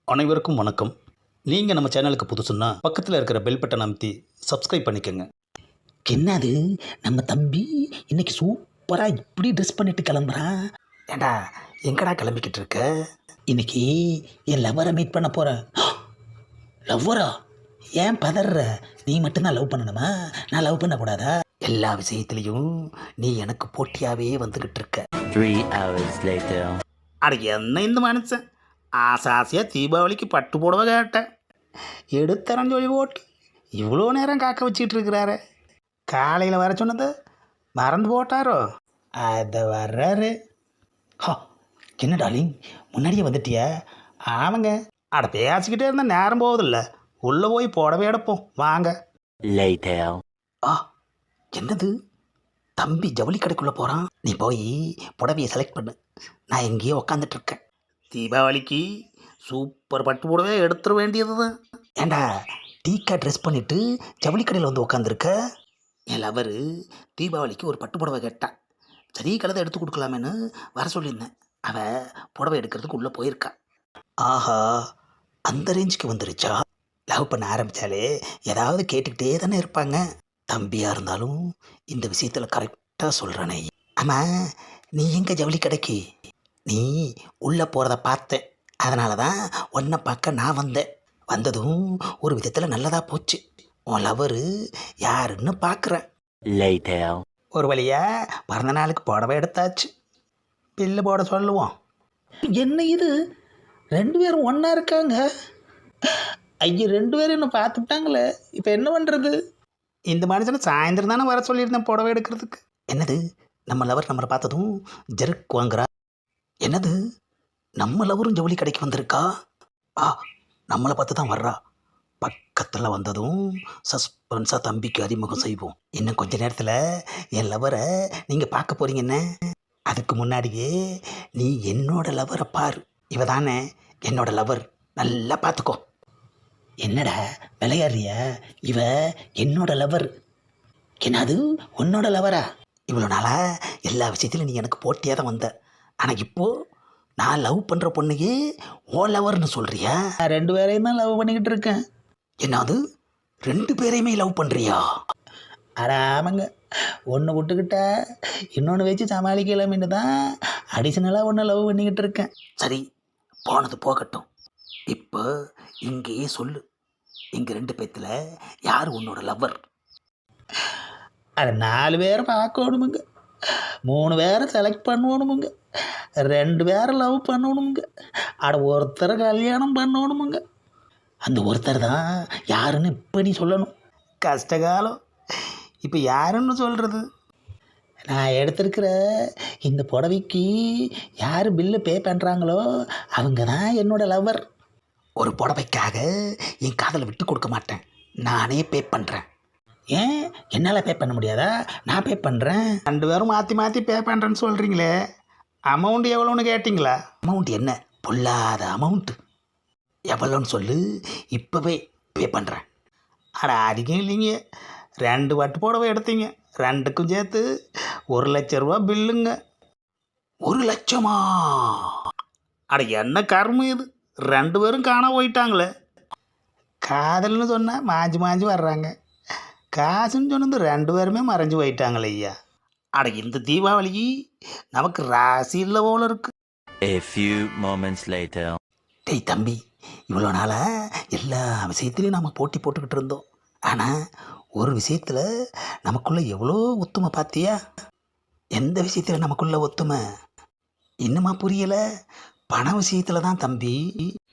அனைவருக்கும் வணக்கம். நீங்கள் நம்ம சேனலுக்கு புதுசுன்னா பக்கத்தில் இருக்கிற பெல் பட்டனை அமைத்தி சப்ஸ்கிரைப் பண்ணிக்கோங்க. என்னது நம்ம தம்பி இன்னைக்கு சூப்பராக இப்படி ட்ரெஸ் பண்ணிட்டு கிளம்புறான். ஏண்டா எங்கடா கிளம்பிக்கிட்டு இருக்க? இன்னைக்கு என் லவ்வரை மீட் பண்ண போகிறேன். லவ்வரா? ஏன் பதற? நீ மட்டும்தான் லவ் பண்ணணுமா? நான் லவ் பண்ணக்கூடாதா? எல்லா விஷயத்துலையும் நீ எனக்கு போட்டியாகவே வந்துக்கிட்டு இருக்க. 3 hours later. அட என்ன இந்த மனுஷன் ஆசாசியாக தீபாவளிக்கு பட்டு புடவை கேட்டேன், எடுத்தரன்னு சொல்லி போட்டு இவ்வளோ நேரம் காக்க வச்சிட்டு இருக்கிறாரு. காலையில் வர சொன்னது மறந்து போட்டாரோ? அதை வர்றாரு. ஹா, என்ன டார்லிங் முன்னாடியே வந்துட்டியா? ஆமாங்க. அட பேசிக்கிட்டே இருந்தால் நேரம் போகுதில்ல, உள்ளே போய் புடவை எடுப்போம் வாங்க. Later. ஆ, என்னது தம்பி ஜவுளி கடைக்குள்ளே போகிறான். நீ போய் புடவையை செலக்ட் பண்ணு, நான் எங்கேயோ உக்காந்துட்டு இருக்கேன். தீபாவளிக்கு சூப்பர் பட்டு புடவை எடுத்துட வேண்டியது தான். ஏண்டா டீக்கா ட்ரெஸ் பண்ணிவிட்டு ஜவுளி கடையில் வந்து உக்காந்துருக்க? என் லவரு தீபாவளிக்கு ஒரு பட்டு புடவை கேட்டான். சரி கலதை எடுத்து கொடுக்கலாமேன்னு வர சொல்லியிருந்தேன். அவள் புடவை எடுக்கிறதுக்கு உள்ளே போயிருக்கா. ஆஹா, அந்த ரேஞ்சுக்கு வந்துருச்சா? லவ் பண்ண ஆரம்பித்தாலே ஏதாவது கேட்டுக்கிட்டே தானே இருப்பாங்க. தம்பியாக இருந்தாலும் இந்த விஷயத்தில் கரெக்டாக சொல்கிறானே. ஆமாம், நீ எங்கே ஜவுளி கடைக்கு? நீ உள்ளே போகிறத பார்த்தேன், அதனால தான் உன்னை பார்க்க நான் வந்தேன். வந்ததும் ஒரு விதத்தில் நல்லதாக போச்சு. உன் லவரு யாருன்னு பார்க்குறேன். Later. ஒரு வழியாக பிறந்த நாளுக்கு புடவை எடுத்தாச்சு. பில்லு போட சொல்லுவோம். என்ன இது, ரெண்டு பேரும் ஒன்றா இருக்காங்க? ஐயோ, ரெண்டு பேரும் என்ன பார்த்துட்டாங்களே, இப்போ என்ன பண்ணுறது? இந்த மனுஷனை சாயந்தரம் தானே வர சொல்லியிருந்தேன் புடவை எடுக்கிறதுக்கு. என்னது, நம்ம லவர் நம்மளை பார்த்ததும் ஜெர்க் வாங்குறா? என்னது, நம்ம லவரும் ஜவுளி கடைக்கு வந்திருக்கா? ஆ, நம்மளை பார்த்து தான் வர்றா. பக்கத்தில் வந்ததும் சஸ்பென்ஸாக தம்பிக்கு அறிமுகம் செய்வோம். இன்னும் கொஞ்ச நேரத்தில் என் லவரை நீங்கள் பார்க்க போகிறீங்கன்னு. அதுக்கு முன்னாடியே நீ என்னோட லவரை பாரு. இவ தானே என்னோட லவர், நல்லா பார்த்துக்கோ. என்னடா விளையாடுறிய? இவ என்னோட லவர். என்னது உன்னோட லவரா? இவ்வளோ நாளாக எல்லா விஷயத்திலும் நீ எனக்கு போட்டியாக தான் வந்த. ஆனால் இப்போது நான் லவ் பண்ணுற பொண்ணையே ஓ லவர்னு சொல்கிறியா? நான் ரெண்டு பேரையும் தான் லவ் பண்ணிக்கிட்டு இருக்கேன். என்னது, ரெண்டு பேரையுமே லவ் பண்ணுறியா? அட ஆமாங்க, ஒன்று விட்டுக்கிட்ட இன்னொன்று வச்சு சமாளிக்கலாமின்னு தான் அடிஷ்னலாக ஒன்று லவ் பண்ணிக்கிட்டு இருக்கேன். சரி, போனது போகட்டும். இப்போ இங்கேயே சொல்லு, எங்கள் ரெண்டு பேத்தில் யார் உன்னோட லவ்வர்? அது 4 பேரை பார்க்கணுமுங்க, 3 பேரை செலக்ட் பண்ணணுமுங்க, 2 பேரை லவ் பண்ணணுமுங்க, அட ஒருத்தரை கல்யாணம் பண்ணணுமுங்க. அந்த ஒருத்தர் தான் யாருன்னு இப்போ நீ சொல்லணும். கஷ்டகாலம், இப்போ யாருன்னு சொல்கிறது? நான் எடுத்திருக்கிற இந்த புடவைக்கு யார் பில்லு பே பண்ணுறாங்களோ அவங்க தான் என்னோட லவ்வர். ஒரு புடவைக்காக என் காதலை விட்டு கொடுக்க மாட்டேன், நானே பே பண்ணுறேன். ஏன் என்னால் பே பண்ண முடியாதா? நான் பே பண்ணுறேன். 2 பேரும் மாற்றி மாற்றி பே பண்ணுறேன்னு சொல்கிறீங்களே, அமௌண்ட் எவ்வளோன்னு கேட்டிங்களா? அமௌண்ட் என்ன பொல்லாத அமௌண்ட்டு? எவ்வளோன்னு சொல்லு, இப்போவே பே பண்ணுறேன். அட அதிகம் இல்லைங்க, 2 பட்டு புடவை எடுத்தீங்க, 2க்கும் சேர்த்து 1,00,000 ரூபா பில்லுங்க. 1,00,000மா? அட என்ன கர்மம் இது, 2 பேரும் காண போயிட்டாங்களே. காதல்னு சொன்னால் மாஞ்சி மாஞ்சி வர்றாங்க, காசுன்னு சொன்னது 2 பேருமே மறைஞ்சு போயிட்டாங்களே ஐயா. அட இந்த தீபாவளி நமக்கு ராசி இல்லை போல இருக்கு. A few moments later. டேய் தம்பி, இவ்வளோ நாளாக எல்லா விஷயத்துலையும் நம்ம போட்டி போட்டுக்கிட்டு இருந்தோம். ஆனால் ஒரு விஷயத்தில் நமக்குள்ளே எவ்வளோ ஒத்துமை பார்த்தியா? எந்த விஷயத்தில் நமக்குள்ளே ஒத்துமை இன்னுமா புரியலை? பண விஷயத்தில் தான் தம்பி.